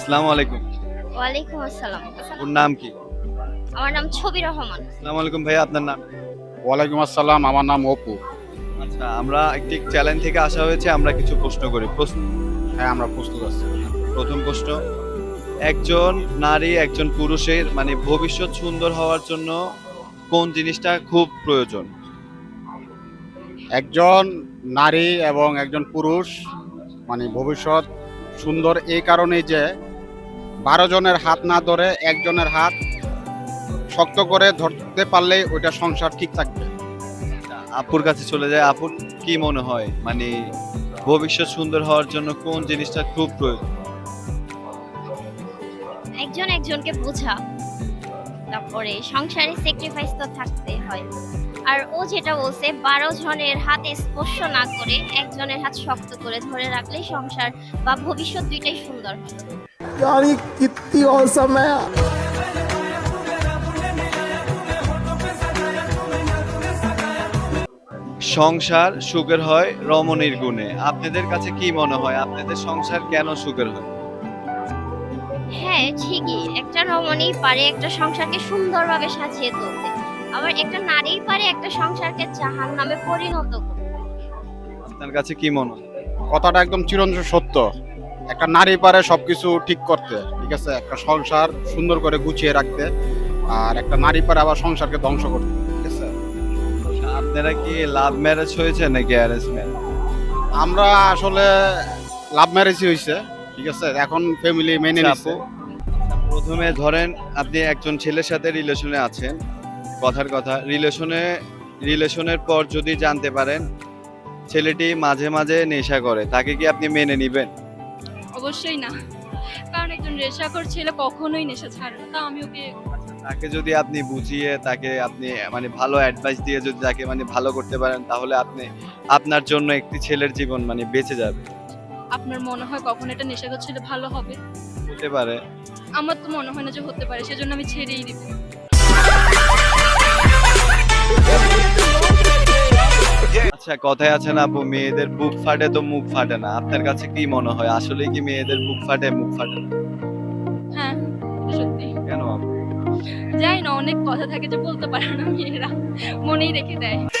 আসসালামু আলাইকুম। ওয়ালাইকুম আসসালাম। ওর নাম কি? আমার নাম ছবি রহমান। আসসালামু আলাইকুম ভাইয়া, আপনার নাম কি? ওয়ালাইকুম আসসালাম, আমার নাম অপু। আচ্ছা, আমরা একটি চ্যানেল থেকে আসা হয়েছে, আমরা কিছু প্রশ্ন করি। হ্যাঁ, আমরা প্রস্তুত আছি। প্রথম প্রশ্ন, একজন নারী একজন পুরুষের মানে ভবিষ্যৎ সুন্দর হওয়ার জন্য কোন জিনিসটা খুব প্রয়োজন? একজন নারী এবং একজন পুরুষ মানে ভবিষ্যৎ সুন্দর এই কারণেই যে 12 জনের হাত না ধরে একজনের হাত শক্ত করে ধরতে পারলেই ওইটা সংসার ঠিক থাকবে। আপুর কাছে চলে যায়। আপুর কি মনে হয় মানে ভবিষ্যৎ সুন্দর হওয়ার জন্য কোন জিনিসটা খুব প্রয়োজন? একজন একজনকে বোঝা, তারপরে সংসারে স্যাক্রিফাইস তো থাকতে হয়। আর ও যেটা বলছে 12 জনের হাতে স্পর্শ না করে একজনের হাত শক্ত করে ধরে রাখলেই সংসার বা ভবিষ্যৎ দুইটাই সুন্দর হয়। यार ये कितनी औसम है। সংসার সুখের হয় রমণীর গুণে। আপনাদের কাছে কি মনে হয় আপনাদের সংসার কেন সুখের হয়? হ্যাঁ, ঠিকই, একটা রমণী পারে একটা সংসারকে সুন্দরভাবে সাজিয়ে তুলতে, আবার একটা নারী পারে একটা সংসারকে জাহান্নামে পরিণত করতে। আপনার কাছে কি মনে হয়? কথাটা একদম চিরন্তন সত্য। একটা নারী পারে সবকিছু ঠিক করতে, ঠিক আছে, একটা সংসার সুন্দর করে গুছিয়ে রাখতে, আর একটা নারী পারে আবার সংসারকে ধ্বংস করতে, ঠিক আছে। আপনারা কি লাভ ম্যারেজ হয়েছে নাকি অ্যারেঞ্জ ম্যারেজ? আমরা আসলে লাভ ম্যারেজই হয়েছে, ঠিক আছে, এখন ফ্যামিলি মেনে নিচ্ছে। প্রথমে ধরেন আপনি একজন ছেলের সাথে রিলেশনে আছেন, কথার কথা রিলেশনের পর যদি জানতে পারেন ছেলেটি মাঝে মাঝে নেশা করে, তাকে কি আপনি মেনে নিবেন? অবশ্যই না, কারণ একজন নেশাখোর ছেলে কখনোই নেশা ছাড়ে না। তা আমি ওকে তাকে যদি আপনি বুঝিয়ে তাকে আপনি মানে ভালো অ্যাডভাইস দিয়ে যদি তাকে মানে ভালো করতে পারেন, তাহলে আপনার জন্য একটি ছেলের জীবন মানে বেঁচে যাবে। আপনার মনে হয় কখন এটা নেশাখোর ছেলে ভালো হবে? হতে পারে। আমার তো মনে হয় না যে হতে পারে, সেজন্য আমি ছেড়েই দিব। আচ্ছা, কথায় আছে না আপু, মেয়েদের বুক ফাটে তো মুখ ফাটে না। আপনার কাছে কি মনে হয় আসলে কি মেয়েদের বুক ফাটে মুখ ফাটে না? হ্যাঁ, সত্যি। কেন আপু? যাই না, অনেক কথা থাকে যে বলতে পারে না মেয়েরা, মনেই রেখে দেয়।